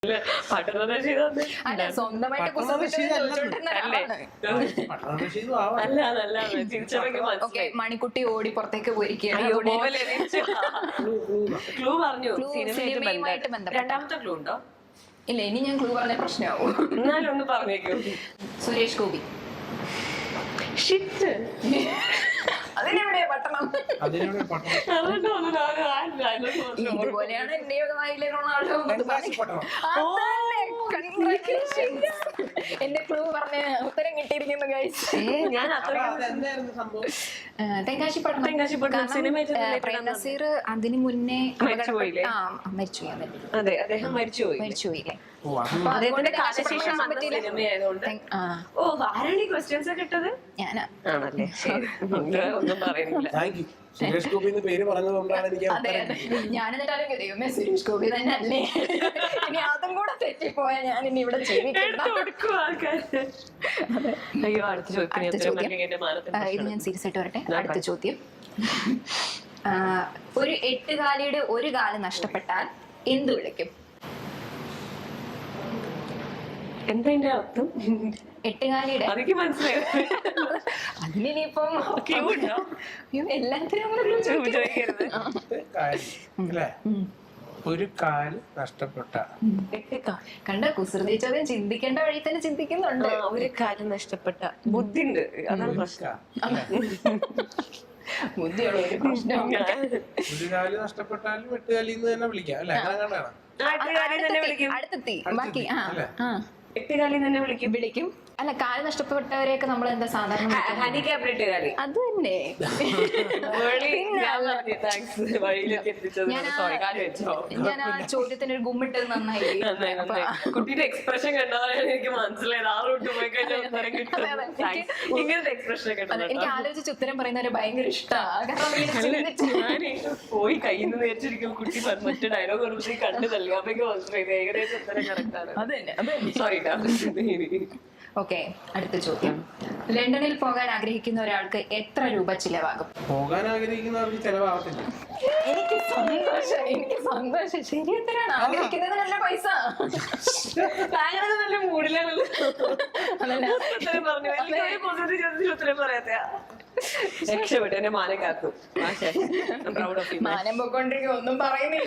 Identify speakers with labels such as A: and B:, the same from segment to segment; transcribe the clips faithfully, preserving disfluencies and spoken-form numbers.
A: അല്ല സ്വന്തമായിട്ട് മണിക്കുട്ടി ഓടി പുറത്തേക്ക് പോയിരിക്കുകയാണ്.
B: ക്ലൂ പറഞ്ഞു
A: സിനിമയുമായിട്ട് ബന്ധപ്പെട്ട
B: രണ്ടാമത്തെ ക്ലൂ ഉണ്ടോ?
A: ഇല്ല, ഇനി ഞാൻ ക്ലൂ പറഞ്ഞ പ്രശ്നമാവും.
B: എന്നാലും ഒന്ന് പറഞ്ഞേക്കൂ.
A: സുരേഷ് ഗോപി.
B: ഷിറ്റ്,
A: അതിനെവിടെയാ പട്ടണം? ഇതുപോലെയാണ് എന്റെ വായിലെ റൊണാൾഡോ. എന്റെ ക്ലൂ പറഞ്ഞ ഉത്തരം കിട്ടിയിരിക്കുന്നു ഗൈസ്.
B: ഞാൻ
A: തെങ്കാശിപ്പട്ടണം. പ്രേം നസീർ അതിന് മുന്നേ മരിച്ചുപോയി.
B: അതെ, അദ്ദേഹം മരിച്ചുപോയി
A: മരിച്ചുപോയില്ലേ?
B: ഓ, ആരാണ് ഈ ക്വസ്റ്റ്യൻസ് ഒക്കെ ഇട്ടത്?
A: ഞാനാ.
B: ആണല്ലേ? ഒന്നും പറയുന്നില്ല.
C: സുരേഷ് ഗോപി പേര് പറഞ്ഞതുകൊണ്ടാണ് എനിക്ക്
A: ഞാനെന്നിട്ടാലും ദൈവമേ സുരേഷ് ഗോപി തന്നെ അല്ലേ, ഇനി അതും കൂടെ തെറ്റിപ്പോയാ ഞാൻ ഇനി ഇവിടെ
B: അയ്യോ, അടുത്ത ചോദ്യം.
A: ഇത് ഞാൻ സീരിയസ് ആയിട്ട് വരട്ടെ. അടുത്ത ചോദ്യം. ഒരു എട്ടുകാലിയുടെ ഒരു കാല് നഷ്ടപ്പെട്ടാൽ എന്ത് വിളിക്കും?
B: എന്താ അർത്ഥം?
A: എട്ടുകാലിയുടെ
B: അതൊക്കെ മനസ്സിലായി.
A: അതിനിപ്പം എല്ലാത്തിനും
C: ഒരു കാല് നഷ്ടപ്പെട്ട
A: കണ്ട കുസൃതി ചോദ്യം ചിന്തിക്കേണ്ട വഴി തന്നെ ചിന്തിക്കുന്നുണ്ട്.
B: ഒരു കാല് നഷ്ടപ്പെട്ട ബുദ്ധി ഉണ്ട്, അതാണ് പ്രശ്നം.
A: ബുദ്ധിയുള്ള ഒരു പ്രശ്നം.
C: ഒരു കാല് നഷ്ടപ്പെട്ടാലും എട്ടുകാലിന്ന് തന്നെ വിളിക്കാം അല്ലെ?
A: അടുത്തെത്തി ബാക്കി. ആ ആ
B: എട്ടുകാലി തന്നെ വിളിക്കും
A: വിളിക്കും അല്ല, കാല് നഷ്ടപ്പെട്ടവരെയൊക്കെ നമ്മൾ എന്താ സാധാരണ
B: ഹാൻഡിക്യാപ്ഡ് കാലി.
A: അത് തന്നെ. ഞാൻ ആ ചോദ്യത്തിന് ഒരു ഗുമ്മിട്ടത് നന്നായി.
B: കുട്ടിയുടെ എക്സ്പ്രഷൻ കണ്ടതാണ് എനിക്ക് മനസ്സിലായത്. ആ റൂട്ട് പോയി കഴിഞ്ഞാൽ ഇങ്ങനത്തെ എക്സ്പ്രഷൻ കണ്ടത്
A: എനിക്ക് ആലോചിച്ച് ഉത്തരം പറയുന്നവരെ ഭയങ്കര ഇഷ്ടമാണ്.
B: പോയി കയ്യിൽ നിന്ന് നേരിച്ചിരിക്കും കുട്ടി മറ്റു ഡയലോഗ് കൊടുത്ത് കണ്ടു തള്ളി. അപ്പൊക്കെ മനസ്സിലായത് ഏകദേശം ഉത്തരം കറക്റ്റ് ആണ്. സോറി.
A: ഓക്കെ, അടുത്ത ചോദ്യം. ലണ്ടനിൽ പോകാൻ ആഗ്രഹിക്കുന്ന ഒരാൾക്ക് എത്ര രൂപ ചിലവാകും?
C: പോകാൻ ആഗ്രഹിക്കുന്നവർക്ക് ചിലവാകത്തില്ല.
A: എനിക്ക് സന്തോഷം, എനിക്ക് സന്തോഷം. ശരി ഉത്തരാണ്. ആഗ്രഹിക്കുന്നത് നല്ല പൈസ.
B: നല്ല മൂടിലാണല്ലോ ഉത്തരം പറയാത്ത. രക്ഷപ്പെട്ടു, എന്നെ മാനം കാത്തു.
A: മാനം പൊക്കോണ്ടിരിക്കും, ഒന്നും പറയുന്നില്ല.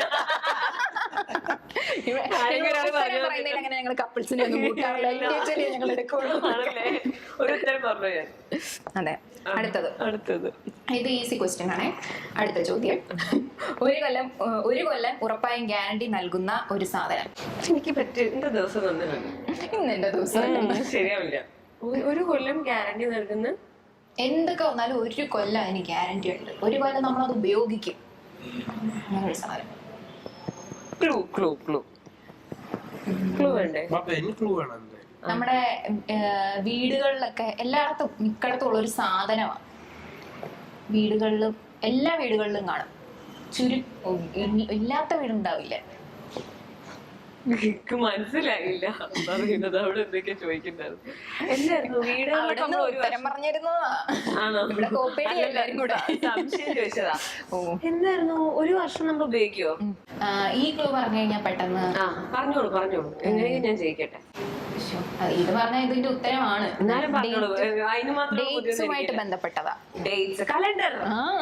A: അങ്ങനെ ഞങ്ങൾ കപ്പിൾസിനെ ഒന്നും ഞങ്ങൾ എടുക്കുള്ളൂ.
B: ഒരു ഉത്തരം പറഞ്ഞു ഞാൻ.
A: അതെ, അടുത്തത്
B: അടുത്തത്
A: ഇത് ഈസി ക്വസ്റ്റ്യൻ ആണേ. അടുത്ത ചോദ്യം. ഒരു കൊല്ലം ഒരു കൊല്ലം ഉറപ്പായും ഗ്യാരണ്ടി നൽകുന്ന ഒരു സാധനം.
B: എനിക്ക് പറ്റും. എന്റെ ദിവസം തന്നില്ല,
A: ഇന്ന് എന്റെ ദിവസം
B: ശരിയാവില്ല. ഒരു കൊല്ലം ഗ്യാരണ്ടി നൽകുന്ന
A: എന്തൊക്കെ വന്നാലും ഒരു കൊല്ലം അതിന് ഗ്യാരണ്ടി ഉണ്ട്. ഒരു കൊല്ലം നമ്മളത് ഉപയോഗിക്കും. അങ്ങനെ ഒരു സാധനം.
B: ക്ലൂ ക്ലൂ ക്ലൂ ക്ലൂ വേണ്ടേ?
A: നമ്മുടെ വീടുകളിലൊക്കെ എല്ലായിടത്തും മിക്കടത്തും ഉള്ള ഒരു സാധനമാണ്. വീടുകളിലും എല്ലാ വീടുകളിലും കാണും. ചുരു ഇല്ലാത്ത വീടുണ്ടാവില്ല.
B: എനിക്ക് മനസ്സിലായില്ല പറയുന്നത്. അവിടെ എന്തൊക്കെയാ ചോദിക്കുന്നത്? എന്തായിരുന്നു വീട്?
A: ഉത്തരം പറഞ്ഞിരുന്നതാ.
B: ആണോ? സംശയം ചോദിച്ചതാ. എന്തായിരുന്നു? ഒരു വർഷം നമ്മൾ ഉപയോഗിക്കുവോ?
A: ഈ ക്ലൂ പറഞ്ഞു കഴിഞ്ഞാൽ പെട്ടെന്ന്.
B: ആ പറഞ്ഞോളൂ പറഞ്ഞോളൂ, എങ്ങനെയും ഞാൻ ജയിക്കട്ടെ.
A: ഇത് പറഞ്ഞാൽ ഇതിന്റെ ഉത്തരമാണ്.
B: എന്നാലും പറഞ്ഞോളൂ. അതിന് മാത്രം
A: ഡേറ്റ്സുമായിട്ട് ബന്ധപ്പെട്ടതാ.
B: Dates, calendar.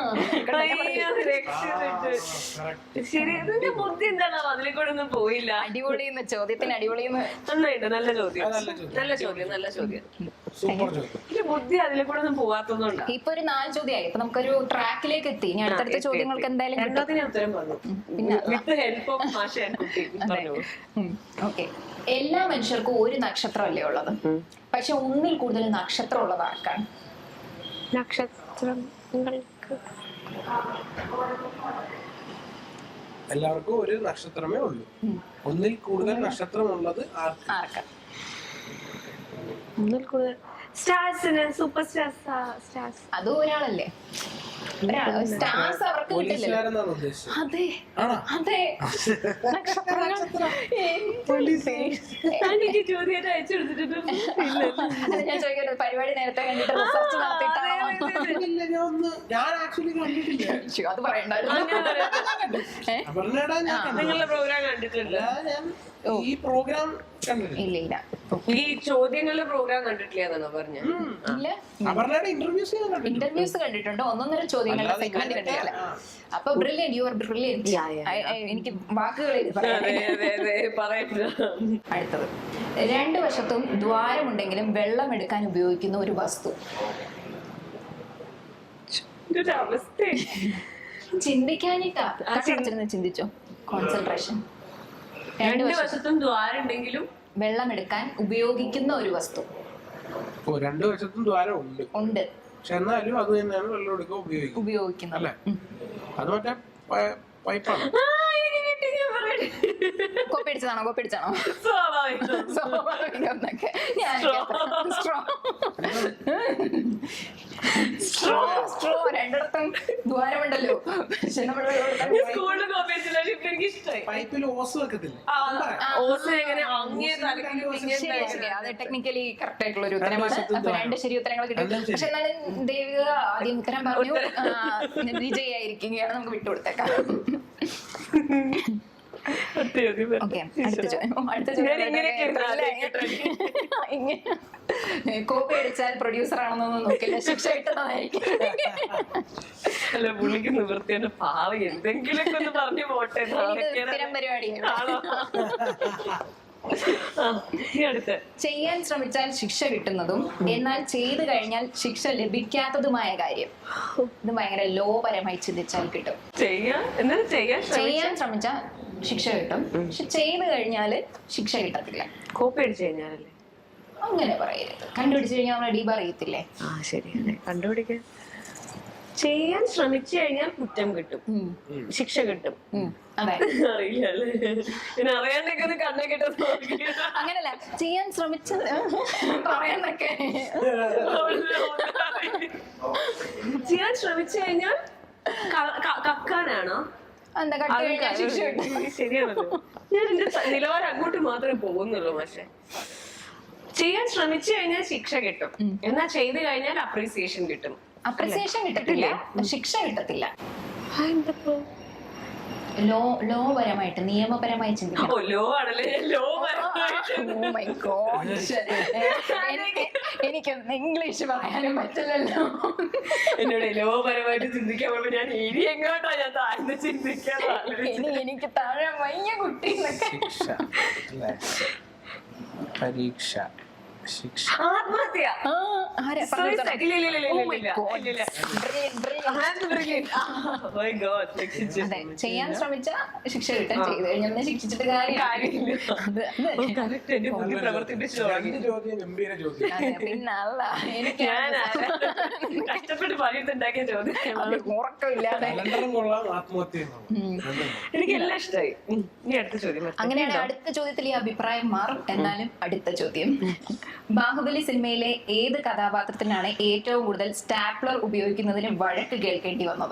B: ശരി, ഇതിന്റെ ബുദ്ധി എന്താണോ അതിലെ കൂടെ ഒന്നും പോയില്ല.
A: അടിപൊളിന്ന് ചോദ്യത്തിന് അടിപൊളിന്ന്.
B: നന്നായിട്ട്, നല്ല ചോദ്യം, നല്ല ചോദ്യം, നല്ല ചോദ്യം. ഇതിന്റെ ബുദ്ധി അതിലെ കൂടെ ഒന്നും പോവാത്തതുകൊണ്ടാ.
A: ഇപ്പൊ ഒരു നാല് ചോദ്യമായി. ഇപ്പൊ നമുക്കൊരു ട്രാക്കിലേക്ക് എത്തി. ഇനി അടുത്തടുത്ത ചോദ്യങ്ങൾക്ക് എന്തായാലും
B: രണ്ടാമത്തിന് ഉത്തരം പറഞ്ഞു. പിന്നെ വിത്ത് ഹെൽപ്പ് ഓഫ് മാഷ ആൻഡ് കുട്ടി.
A: ഓക്കെ, എല്ലാ മനുഷ്യർക്കും ഒരു നക്ഷത്രമല്ലേ ഉള്ളത്, പക്ഷെ ഒന്നിൽ കൂടുതൽ നക്ഷത്രം ഉള്ളത് ആർക്കാണ്?
B: നക്ഷത്രം
C: എല്ലാവർക്കും ഒരു നക്ഷത്രമേ ഉള്ളൂ. ഒന്നിൽ കൂടുതൽ നക്ഷത്രമുള്ളത് ആർക്കാ?
B: ഒന്നിൽ കൂടുതൽ സ്റ്റാർസിന്, സൂപ്പർ സ്റ്റാർസ്.
A: അതും ഒരാളല്ലേ? സ്റ്റാർസ് അവർക്ക് കിട്ടില്ലല്ലോ.
C: പോലീസുകാരെന്നാണ് ഉദ്ദേശിച്ചത്.
A: അതെ
C: ആണോ?
A: അതെ നക്ഷത്രങ്ങൾ.
B: എനിക്ക് ചോദ്യമായിട്ട് അയച്ചു കൊടുത്തിട്ടുണ്ട്.
A: അത് ഞാൻ ചോദിക്കട്ടെ, പരിപാടി നേരത്തെ കണ്ടിട്ട് റിസർച്ച് നടത്തിയിട്ടാണോ?
C: ഇല്ല, ഞാൻ ഒന്ന് ഞാൻ ആക്ച്വലി കണ്ടിട്ടില്ല.
A: ശ്ശോ, അത് പറയണ്ടായിരുന്നു. ഏ?
C: അപർണ്ണയുടെ ഞാൻ കണ്ടിട്ടില്ല.
B: നിങ്ങളുടെ പ്രോഗ്രാം കണ്ടിട്ടുണ്ട്?
C: ഞാൻ ഈ പ്രോഗ്രാം കണ്ടിട്ടില്ല.
A: ഇല്ല ഇല്ല
B: ഈ ചോദ്യങ്ങളുടെ പ്രോഗ്രാം കണ്ടിട്ടില്ല എന്നാണോ പറഞ്ഞ?
A: ഇല്ല.
C: അപർണ്ണയുടെ ഇന്റർവ്യൂസ് ഞാൻ കണ്ടിട്ടുണ്ട്.
A: ഇന്റർവ്യൂസ് കണ്ടിട്ടുണ്ട്, ഒന്നൊന്നര ചോദ്യങ്ങളുടെ
C: അല്ലാതെ
A: സെഗ്മെന്റ്
C: ഇങ്ങനത്തെ-
A: കണ്ടിട്ടില്ല.
C: ആ.
A: അപ്പൊ brilliant, you are brilliant.
B: Yeah, yeah, yeah.
A: എനിക്ക് വാക്കുകളിൽ പറയാൻ.
B: അതെ അതെ അതെ പറയണ്ട.
A: അടുത്തത്, രണ്ടു വശത്തും ദ്വാരമുണ്ടെങ്കിലും വെള്ളം എടുക്കാൻ ഉപയോഗിക്കുന്ന ഒരു വസ്തു.
B: ഇതൊരു അവസ്ഥ.
A: ചിന്തിക്കാനിട്ടാ കണ്ണടച്ചിരുന്ന് ചിന്തിച്ചോ. കോൺസെൻട്രേഷൻ. രണ്ടു
B: രണ്ട്
A: വശത്തും
B: വശത്തും ദ്വാരം ഉണ്ടെങ്കിലും
A: വെള്ളം എടുക്കാൻ ഉപയോഗിക്കുന്ന ഒരു വസ്തു
C: ഓ, രണ്ടു വശത്തും ദ്വാരം ഉണ്ട്.
A: ഉണ്ട്,
C: പക്ഷെ എന്നാലും അത് തന്നെയാണ് വെള്ളം എടുക്കാൻ ഉപയോഗിക്കുന്നത്
A: ഉപയോഗിക്കുന്നത്.
C: അല്ലേ? അത് മറ്റേ പ- പൈപ്പാണ്.
B: ആ, എനിക്ക് കിട്ടി, ഞാൻ പറയട്ടെ.
A: കോപ്പിടിച്ചതാണോ കോപ്പിടിച്ചാണോ
B: സ്വാഭാവികം.
A: സ്വാഭാവികമൊന്നൊക്കെ. ഞാൻ സ്ട്രോ സ്ട്രോ സ്ട്രോ രണ്ടിടത്തും ദ്വാരമുണ്ടല്ലോ. പക്ഷെ നമ്മൾ വെള്ളം എടുക്കാൻ
B: ഞാൻ സ്കൂളിൽ കോപ്പേഴ്സില്ല, പക്ഷെ ഇപ്പൊ എനിക്ക് ഇഷ്ടമായി.
C: പൈപ്പിൽ ഓസ് വെക്കത്തില്ലേ?
B: ആ, ഓസ് എങ്ങനെ അങ്ങേ തലക്കിൽ ഇങ്ങനെ
A: ശരി, ശരി. അത് ടെക്നിക്കലി കറക്റ്റ് ആയിട്ടുള്ള ഒരു ഉത്തരമാണ്.
C: വശത്തും
A: അപ്പൊ രണ്ട് ശരി ഉത്തരങ്ങൾ കിട്ടി.
C: രണ്ടും ശരി.
A: പക്ഷെ എന്നാലും ദേവിക ആദ്യം ഉത്തരം പറഞ്ഞു. ആ, വിജയായിരിക്കുകയാണ്. നമുക്ക് വിട്ടുകൊടുത്തേക്കാം.
B: അതെ, അതെ, അതെ.
A: ഓക്കെ, അടുത്ത ചോദ്യം. ഓ, അടുത്ത
B: ഞാൻ ഇങ്ങനെയൊക്കെ ഇരുന്ന്
A: ചോദ്യം. കോപ്പി അടിച്ചാൽ പ്രൊഡ്യൂസർ ആണെന്നൊന്നും നോക്കില്ല, ശിക്ഷ കിട്ടുന്നതായിരിക്കും.
B: അല്ല, പുള്ളിക്ക് നിവൃത്തിയുടെ പാവം എന്തെങ്കിലുമൊക്കെ ഒന്ന് പറഞ്ഞു പോട്ടെ.
A: ഇത് സ്ഥിരം പരിപാടിയാണ്.
B: ആണോ? ആ, ഇനി അടുത്ത.
A: ചെയ്യാൻ ശ്രമിച്ചാൽ ശിക്ഷ കിട്ടുന്നതും എന്നാൽ ചെയ്തു കഴിഞ്ഞാൽ ശിക്ഷ ലഭിക്കാത്തതുമായ കാര്യം. ഇത് ഭയങ്കര ലോ പരമായി ചിന്തിച്ചാൽ കിട്ടും.
B: ചെയ്യാൻ എന്നാലും ചെയ്യാൻ
A: ചെയ്യാൻ ശ്രമിച്ചാൽ ശിക്ഷ കിട്ടും, പക്ഷെ ചെയ്തു കഴിഞ്ഞാല് ശിക്ഷ കിട്ടത്തില്ല.
B: കോപ്പി അടിച്ചു കഴിഞ്ഞാലല്ലേ?
A: അങ്ങനെ പറയരുത്. കണ്ടുപിടിച്ചു കഴിഞ്ഞാൽ നമ്മൾ ഡീബ് അറിയത്തില്ലേ?
B: ആ, ശരി. കണ്ടുപിടിക്കാൻ ചെയ്യാൻ ശ്രമിച്ചു കഴിഞ്ഞാൽ കുറ്റം കിട്ടും, ശിക്ഷ കിട്ടും.
A: ഉം, അതെ.
B: അറിയില്ല അല്ലേ? പിന്നെ അറിയാണ്ടൊക്കെ ഒന്ന് കണ്ണെ കിട്ടും.
A: അങ്ങനല്ല, ചെയ്യാൻ ശ്രമിച്ച പറയാനൊക്കെ
B: ചെയ്യാൻ ശ്രമിച്ചു കഴിഞ്ഞാൽ ക- ക- കക്കാനാണോ?
A: എന്താ കട്ട് കഴിഞ്ഞാൽ ശിക്ഷ കിട്ടും.
B: ശരിയാണല്ലോ. ഞാൻ എന്റെ സ- നിലവാരം അങ്ങോട്ട് മാത്രമേ പോകുന്നുള്ളൂ. പക്ഷെ ചെയ്യാൻ ശ്രമിച്ചു കഴിഞ്ഞാൽ ശിക്ഷ കിട്ടും, എന്നാ ചെയ്ത് കഴിഞ്ഞാൽ അപ്രീസിയേഷൻ കിട്ടും.
A: അപ്രിസിയേഷൻ കിട്ടത്തില്ല, ശിക്ഷ കിട്ടത്തില്ല.
B: എന്തപ്പോ
A: ലോ ലോ പരമായിട്ട് നിയമപരമായി ചിന്തിക്കണം.
B: ഓ, ലോ ആണല്ലേ? Law
A: Oh my God. എനിക്ക് എനിക്കൊന്നും ഇംഗ്ലീഷ് പറയാനും പറ്റില്ലല്ലോ.
B: എന്നോട് ലോ പരമായിട്ട് ചിന്തിക്കാൻ പറയുമ്പോ ഞാൻ ഇനി എങ്ങോട്ടാ ഞാൻ താഴ്ന്ന് ചിന്തിക്കാൻ
A: ഇനി എനിക്ക് താഴെ വയ്യ കുട്ടി എന്നൊക്കെ.
C: ശിക്ഷ അല്ലേ? പരീക്ഷ, ശിക്ഷ.
B: ആത്മഹത്യ.
A: ആ, ആരാ
B: Suicide.
A: പങ്കെടുത്തത്?
B: ഇല്ല, ഇല്ല, ഇല്ല,
A: Oh
B: ഇല്ല,
A: my
B: ഇല്ല,
A: God.
B: ഇല്ല, ഇല്ല.
A: Brilliant, brilliant.
B: That's brilliant. Oh my God, രക്ഷിച്ചു.
A: അതെ, ചെയ്യാൻ ശ്രമിച്ച ശിക്ഷ കിട്ടാൻ ചെയ്തു കഴിഞ്ഞാൽ പിന്നെ ശിക്ഷിച്ചിട്ട് കാര്യമില്ല.
B: കാര്യമില്ല.
A: അത്
B: ഓ, correct. എന്റെ ബുദ്ധി പ്രവർത്തിപ്പിച്ചു തുടങ്ങി.
C: രണ്ട് ചോദ്യം ഗംഭീര ചോദ്യം.
A: അതെ, പിന്നെ അല്ല എനിക്ക്
B: ഞാൻ കഷ്ടപ്പെട്ട് പണിയെടുത്തുണ്ടാക്കിയ ചോദ്യം.
A: അത് ഉറക്കമില്ലാതെ.
C: കലണ്ടറും കൊള്ളാം, ആത്മഹത്യയും കൊള്ളാം.
B: എനിക്ക് എല്ലാം ഇഷ്ടമായി. ഇനി അടുത്ത ചോദ്യം വരട്ടെ.
A: അങ്ങനെയാണ് അടുത്ത ചോദ്യത്തിൽ ഈ അഭിപ്രായം മാറും. എന്നാലും അടുത്ത ചോദ്യം, ബാഹുബലി സിനിമയിലെ ഏത് കഥാപാത്രത്തിനാണ് ഏറ്റവും കൂടുതൽ സ്റ്റാപ്ലർ ഉപയോഗിക്കുന്നതിന് വഴക്ക് കേൾക്കേണ്ടി വന്നത്?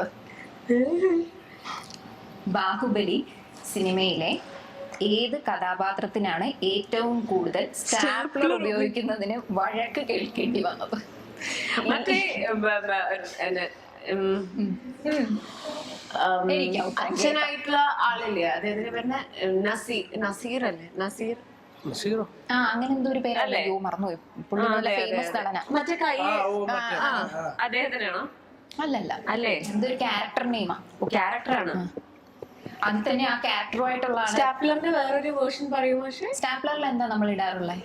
A: ബാഹുബലി സിനിമയിലെ ഏത് കഥാപാത്രത്തിനാണ് ഏറ്റവും കൂടുതൽ സ്റ്റാപ്ലർ ഉപയോഗിക്കുന്നതിന് വഴക്ക് കേൾക്കേണ്ടി വന്നത്?
B: മറ്റേ ബ- ബ- എന്നെ, ഉം,
A: ഉം.
B: ഉം,
A: എനിക്ക് ഉത്തരം
B: അച്ഛനായിട്ടുള്ള ആളില്ലേ, അദ്ദേഹത്തിന് പറഞ്ഞ നസീർ നസീർ അല്ലേ? നസീർ.
C: നസീറോ?
A: ആ, അങ്ങനെ എന്തോ ഒരു പേരല്ലേ? യോ, മറന്നുപോയി. പുള്ളി
B: ആ,
A: നല്ല
B: അതെ, അതെ,
A: ഫേമസ്
B: അതെ.
A: നടന.
B: മറ്റേ കൈ.
C: ആ, ഓ, മറ്റേ,
B: ആ,
C: ആ.
B: അദ്ദേഹത്തിനാണോ?
A: അല്ലല്ല,
B: അല്ലേ?
A: എന്തൊരു ക്യാരക്ടർ നെയിമാ.
B: ക്യാരക്ടറാണ്.
A: അത് തന്നെ ആ ക്യാരക്ടറുമായിട്ടുള്ള ആള്.
B: സ്റ്റാപ്ലറിന്റെ വേറൊരു വേർഷൻ പറയുമോ? പക്ഷേ
A: സ്റ്റാപ്ലറിൽ എന്താ നമ്മൾ ഇടാറുള്ളത്?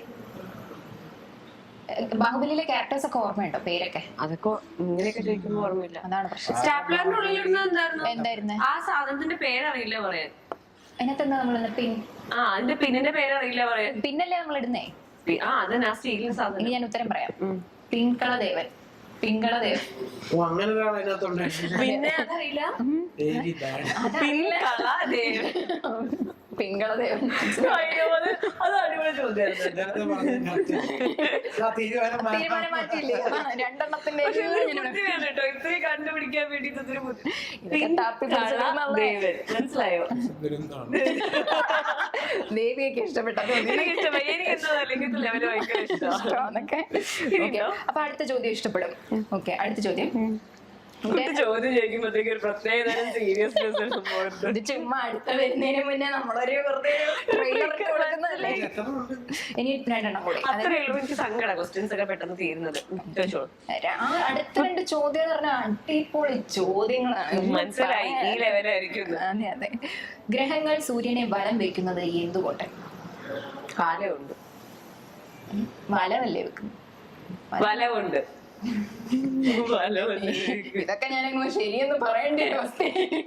A: ബാഹുബലിയിലെ ക്യാരക്ടേഴ്സ് ഒക്കെ ഓർമ്മയുണ്ടോ? പേരൊക്കെ
B: അതൊക്കെ ഇങ്ങനെയൊക്കെ ചോദിക്കുമ്പോ ഓർമ്മയില്ല.
A: അതാണ് പ്രശ്നം.
B: സ്റ്റാപ്ലറിന്റെ ഉള്ളിലിടുന്നത് എന്തായിരുന്നു?
A: എന്തായിരുന്നു
B: ആ സാധനത്തിന്റെ പേരറിയില്ല പറയാൻ.
A: അതിനകത്ത് എന്താ നമ്മൾ പിൻ
B: ആ, അതിന്റെ പിന്നിന്റെ പേരറിയില്ല പറയാൻ.
A: പിന്നല്ലേ നമ്മൾ ഇടുന്നേ?
B: പി- ആ, അത് ആ സ്റ്റീലിന്റെ സാധനം.
A: ഇനി ഞാൻ ഉത്തരം പറയാം. പിങ്കളദേവൻ. പിങ്കളദേവൻ.
C: ഓ, അങ്ങനെ ഒരാൾ അതിനകത്തുണ്ടായിരുന്നു.
B: പിന്നെ അതറിയില്ല.
C: Very bad.
B: പിൻകള ദേവൻ.
A: പിങ്കളദേവൻ.
B: അയ്യോ, അത് അത് അടിപൊളി ചോദ്യം. പറഞ്ഞായിരുന്നു.
C: നേരത്തെ പറഞ്ഞത് correct ആണ്. ആ തീരുമാനം മാറ്റാം.
A: തീരുമാനം മാറ്റിയില്ലേ? അതാണ് രണ്ടെണ്ണത്തിന്റെ
B: പക്ഷെ ഇതൊരു ബുദ്ധിയാണ് കേട്ടോ, ഇത്രയും കണ്ടുപിടിക്കാൻ വേണ്ടിട്ട് ഇതൊരു ബുദ്ധി.
A: ഇതൊക്കെ തപ്പി പിടിച്ചെടുക്കുന്നതല്ലേ?
B: ദേവൻ, മനസ്സിലായോ?
C: ദുരന്തമാണ്.
A: ദേവിയൊക്കെ ഇഷ്ടപ്പെട്ടത്
B: എനിക്ക് ഇഷ്ടമായി. എനിക്ക് എന്താ ഇങ്ങനത്തെ ലെവല് ഭയങ്കര ഇഷ്ടമാണ്.
A: അപ്പൊ അടുത്ത ചോദ്യം ഇഷ്ടപ്പെടും. ഓക്കെ, അടുത്ത ചോദ്യം.
B: ചോദ്യം ചോദിക്കുമ്പോഴത്തേക്ക് ഒരു പ്രത്യേക തരം സീരിയസ്നെസ്
A: ഇത് ചുമ്മാ അടുത്ത വരുന്നതിന് മുന്നേ നമ്മളൊരു വെറുതെ ട്രെയിലർ കൊടുക്കുന്നതല്ലേ.
C: എത്ര ഉണ്ട്?
A: ഇനി രണ്ടെണ്ണം കൂടി.
B: അത്രേ ഉള്ളൂ. എനിക്ക് സങ്കട ക്വസ്റ്റ്യൻസ് ഒക്കെ പെട്ടെന്ന് തീരുന്നത്. ചോദിച്ചോളൂ.
A: ആ അടുത്ത രണ്ട് ചോദ്യം എന്ന് പറഞ്ഞാൽ അടിപൊളി ചോദ്യങ്ങളാണ്.
B: മനസ്സിലായി, ഈ ലെവലായിരിക്കും.
A: അതെ അതെ. ഗ്രഹങ്ങൾ സൂര്യനെ വലം വെക്കുന്നത് എന്തുകൊണ്ട്?
B: കാലമുണ്ട്,
A: വലമല്ലേ വെക്കുന്നത്?
B: വലമുണ്ട്, വലമുണ്ട്.
A: ഇതൊക്കെ ഞാനങ്ങ് ശരിയെന്ന് പറയേണ്ട ഒരു അവസ്ഥ.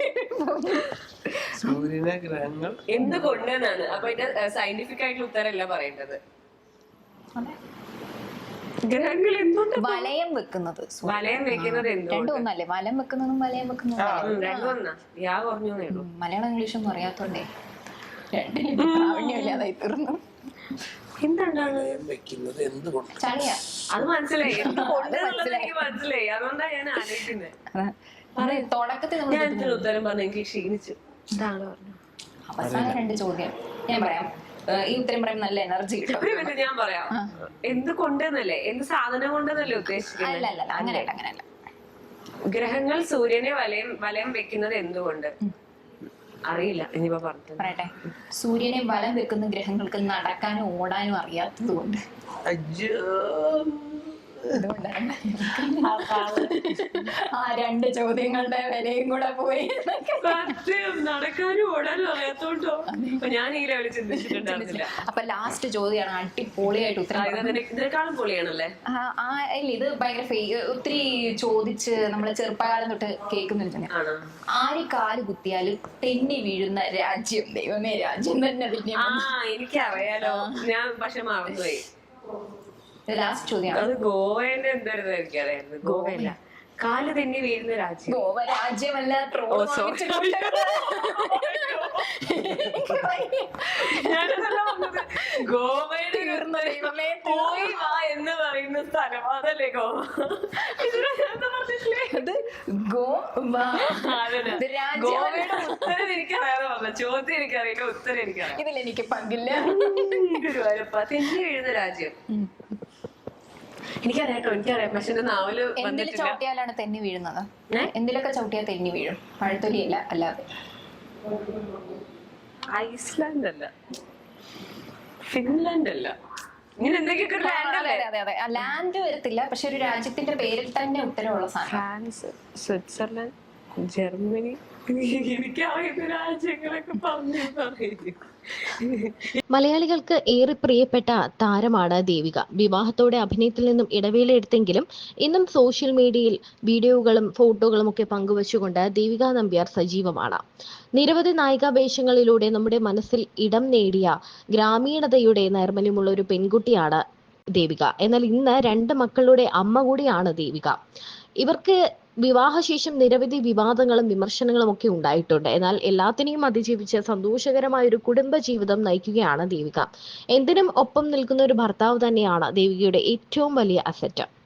C: സൂര്യനെ ഗ്രഹങ്ങൾ
B: എന്തുകൊണ്ടെന്നാണ്. അപ്പൊ ഇതിന്റെ സയന്റിഫിക് ആയിട്ടുള്ള ഉത്തരമല്ല പറയേണ്ടത്. ഗ്രഹങ്ങൾ എന്തുകൊണ്ട്
A: വലയം വെക്കുന്നത് സൂര്യൻ.
B: വലയം വെക്കുന്നത്
A: രണ്ടും
B: എന്തുകൊണ്ട്?
A: ഒന്നല്ലേ? വലം വെക്കുന്നതും വലയം വെക്കുന്നതും
B: രണ്ടും ഒന്നാ. യാ പറഞ്ഞേ ഉള്ളൂ.
A: മലയാളം ഇംഗ്ലീഷൊന്നും അറിയാത്തോണ്ടേ രണ്ടിനും പ്രാവീണ്യമില്ലാതായി തീർന്നു.
B: എന്താണ്
C: വെക്കുന്നത് എന്തുകൊണ്ട്?
A: ചളിയാ.
B: അത് മനസ്സിലായി. എന്തുകൊണ്ടെന്നുള്ളത് എനിക്ക് മനസ്സിലായി. അതുകൊണ്ടാണ് ഞാൻ ആലോചിക്കുന്നത്.
A: തുടക്കത്തിൽ നമ്മൾ
B: ഞാൻ ഇതിന് ഉത്തരം പറഞ്ഞു, എനിക്ക് ക്ഷീണിച്ചു. ഇതാണ് പറഞ്ഞത്.
A: അവസാന രണ്ട് ചോദ്യം ഞാൻ പറയാം. ഏഹ് ഈ ഉത്തരം പറയാൻ നല്ല എനർജി കിട്ടും.
B: ഒരു മിനിറ്റ് ഞാൻ പറയാം. എന്ത് കൊണ്ടെന്നല്ലേ, എന്ത് സാധനം കൊണ്ടെന്നല്ലേ ഉദ്ദേശിക്കുന്നത്?
A: അല്ല അല്ല അല്ല അങ്ങനെയല്ല അങ്ങനെയല്ല.
B: ഗ്രഹങ്ങൾ സൂര്യനെ വലയം വലയം വെക്കുന്നത് എന്തുകൊണ്ട്? അറിയില്ല. ഇനിയിപ്പോ പറഞ്ഞു
A: പറയട്ടെ. സൂര്യനെ വലം വെക്കുന്ന ഗ്രഹങ്ങൾക്ക് നടക്കാനും ഓടാനും അറിയാത്തത് കൊണ്ട്. അതുകൊണ്ടാണ് ആ രണ്ട് ചോദ്യങ്ങളുടെ വിലയും കൂടെ പോയി.
B: സത്യം, നടക്കാനും ഓടാനും അറിയാത്തോണ്ടോ? അപ്പൊ ഞാൻ ഈ ലെവലിൽ ചിന്തിച്ചിട്ടുണ്ടായിരുന്നില്ല.
A: അപ്പൊ ലാസ്റ്റ് ചോദ്യമാണ് അടിപൊളിയായിട്ട് ഉത്തരം.
B: ഇതിനേക്കാളും പൊളിയാണല്ലേ?
A: ആ ആ, ഇല്ല ഇത് ഭയങ്കര ഫേ- ഒത്തിരി ചോദിച്ച് നമ്മള് ചെറുപ്പകാലം തൊട്ട് കേൾക്കുന്നുണ്ട്.
B: ആണോ?
A: ആര് കാല് കുത്തിയാലും തെന്നി വീഴുന്ന രാജ്യം. ദൈവമേ, രാജ്യം തന്നെ പിന്നെ
B: ആ, എനിക്കറിയാലോ. ഞാൻ പക്ഷെ മറന്നുപോയി.
A: ലാസ്റ്റ് ചോദ്യമാണ്.
B: അത് ഗോവേന്റെ എന്തായിരുന്നു എനിക്കറിയായിരുന്നു. ഗോവയല്ല, കാല് തെന്നി വീഴുന്ന രാജ്യം.
A: ഗോവ രാജ്യമല്ല.
B: ഓ, sorry. ഞാനതല്ല പറഞ്ഞത്. ഗോവയുടെ
A: ദൈവമേ,
B: പോയി വാ എന്ന് പറയുന്ന സ്ഥലം അതല്ലേ ഗോവ? ഇതിനെ ഞാൻ എന്താ പറഞ്ഞിട്ടില്ലേ?
A: ഇത് ഗോവ.
B: അതന്നെ.
A: ഇത് രാജ്യം.
B: ഗോവയുടെ ഉത്തരം എനിക്കറിയാതെ പറഞ്ഞ ചോദ്യം എനിക്കറിയില്ല, ഉത്തരം എനിക്കറിയാം.
A: ഇതിൽ എനിക്ക് പങ്കില്ല.
B: ഗുരുവായൂരപ്പ, തെന്നി വീഴുന്ന രാജ്യം എനിക്കറിയാട്ടോ, എനിക്കറിയാം. പക്ഷെ എന്റെ നാവല്
A: എന്തിൽ
B: വന്നിട്ടില്ല.
A: ചവിട്ടിയാലാണ് തെന്നി വീഴുന്നത്? എന്തിലൊക്കെ ചവിട്ടിയാൽ തെന്നി വീഴും? പഴത്തൊലിയല്ല, അല്ലാതെ.
B: ഐസ്ലാൻഡ് അല്ല, ഫിൻലാൻഡ് അല്ല, ഇങ്ങനെ എന്തൊക്കെയൊക്കെ ഒരു ലാൻഡ്
A: അതെ
B: അല്ലേ?
A: അതെ അതെ. ലാൻഡ് വരത്തില്ല, പക്ഷെ ഒരു രാജ്യത്തിന്റെ പേരിൽ തന്നെ ഉത്തരവുള്ള സാധനം.
B: France, Switzerland, Germany. എനിക്കറിയുന്ന രാജ്യങ്ങളൊക്കെ പറഞ്ഞു പറയും.
D: മലയാളികൾക്ക് ഏറെ പ്രിയപ്പെട്ട താരമാണ് ദേവിക. വിവാഹത്തോടെ അഭിനയത്തിൽ നിന്നും ഇടവേള എടുത്തെങ്കിലും ഇന്നും സോഷ്യൽ മീഡിയയിൽ വീഡിയോകളും ഫോട്ടോകളും ഒക്കെ പങ്കുവച്ചുകൊണ്ട് ദേവിക നമ്പ്യാർ സജീവമാണ്. നിരവധി നായികാ വേഷങ്ങളിലൂടെ നമ്മുടെ മനസ്സിൽ ഇടം നേടിയ ഗ്രാമീണതയുടെ നൈർമല്യമുള്ള ഒരു പെൺകുട്ടിയാണ് ദേവിക. എന്നാൽ ഇന്ന് രണ്ട് മക്കളുടെ അമ്മ കൂടിയാണ് ദേവിക. ഇവർക്ക് വിവാഹശേഷം നിരവധി വിവാദങ്ങളും വിമർശനങ്ങളും ഒക്കെ ഉണ്ടായിട്ടുണ്ട്. എന്നാൽ എല്ലാത്തിനെയും അതിജീവിച്ച് സന്തോഷകരമായ ഒരു കുടുംബ ജീവിതം നയിക്കുകയാണ് ദേവിക. എന്തിനും ഒപ്പം നിൽക്കുന്ന ഒരു ഭർത്താവ് തന്നെയാണ് ദേവികയുടെ ഏറ്റവും വലിയ അസറ്റ്.